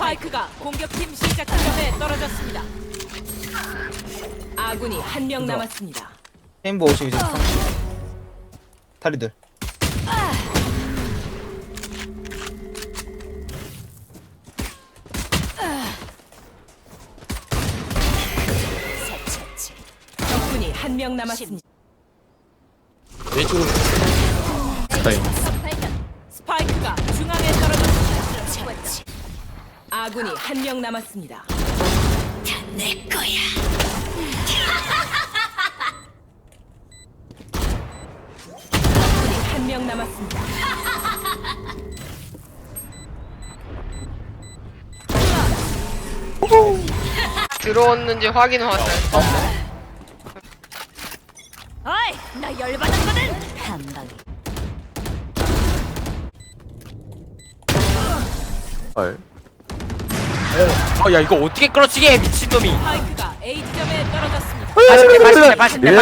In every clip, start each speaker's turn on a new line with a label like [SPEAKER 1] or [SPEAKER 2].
[SPEAKER 1] 스파이크가 공격팀 시작 지점에 떨어졌습니다. 아군이 한 명 남았습니다.
[SPEAKER 2] 레인보우 50 이제 30 다리들
[SPEAKER 1] 적군이 한 명 남았습니다.
[SPEAKER 3] 왼쪽으로 스타일.
[SPEAKER 1] 스파이크가 중앙에 떨어졌습니다. 아군이 한 명 남았습니다. 내 거야. 적군이 한 명 남았습니다.
[SPEAKER 4] 들어왔는지 확인은 왔어요.
[SPEAKER 1] 어이, 나 열받았거든. 한 방에.
[SPEAKER 3] 헐. 야 이거 어떻게 끌어치게 해, 미친놈이.
[SPEAKER 1] 스파이크가 A 지점에 떨어졌습니다.
[SPEAKER 3] 80대.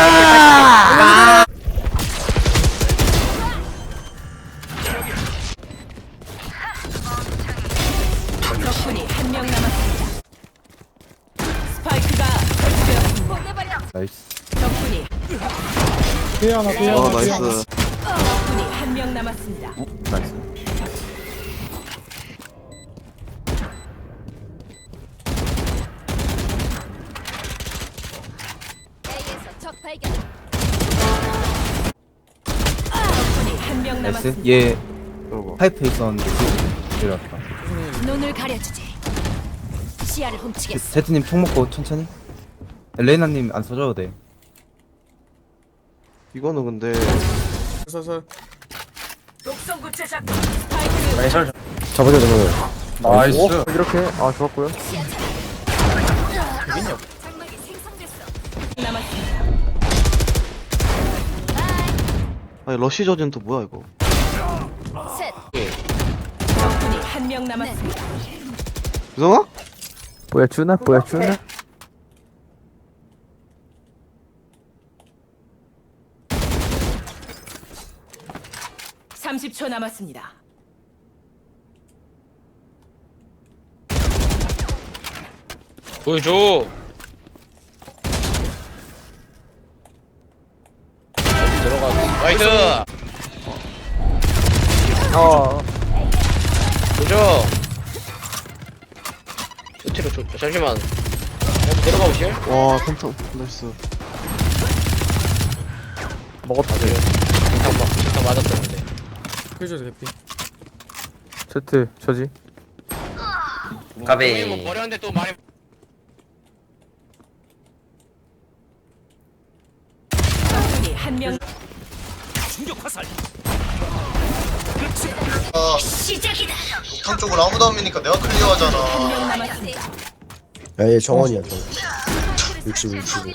[SPEAKER 1] 적군이 한 명 남았습니다. 스파이크가 설치되었습니다.
[SPEAKER 3] 나이스.
[SPEAKER 1] 적군이
[SPEAKER 5] 나이스.
[SPEAKER 1] 적군이 한 명 남았습니다.
[SPEAKER 3] 나이스.
[SPEAKER 1] 적군이 한 명
[SPEAKER 2] 나이스
[SPEAKER 1] 남았습니다.
[SPEAKER 2] 얘 파이프에 있었는데 내려왔다
[SPEAKER 1] 눈을 가려주지. 시야를 훔치겠어.
[SPEAKER 2] 제트님 총 먹고 천천히 레이나님 안 써줘도 돼
[SPEAKER 5] 이거는 근데
[SPEAKER 1] 독성 구체작. 스파이크를
[SPEAKER 3] 나이스.
[SPEAKER 5] 잡아줘 잡아줘.
[SPEAKER 3] 나이스.
[SPEAKER 5] 이렇게 좋았고요.
[SPEAKER 1] 장막이 생성됐어. 남았습니다.
[SPEAKER 5] 아니 러시 저지는 또 뭐야 이거?
[SPEAKER 1] 셋. 적군이 한 명 남았습니다.
[SPEAKER 5] 유성아?
[SPEAKER 6] 보여주나?
[SPEAKER 1] 30초 남았습니다.
[SPEAKER 3] 보여줘. 들어가. 나이스. 보여줘. 끝으로 잠시만. 내려가 보실?
[SPEAKER 5] 와 컴퓨터 나이스.
[SPEAKER 3] 먹었다. 잠깐 맞았었는데.
[SPEAKER 6] 세트 저지.
[SPEAKER 3] 가베. 뭐 버렸는데 또 많이.
[SPEAKER 1] 적군이 한 명. 시작이다.
[SPEAKER 7] 탕 쪽으로 아무도 안 미니까 내가 클리어하잖아.
[SPEAKER 1] 한 명 남았습니다.
[SPEAKER 8] 야, 얘 정원이야, 정원. 65, 65.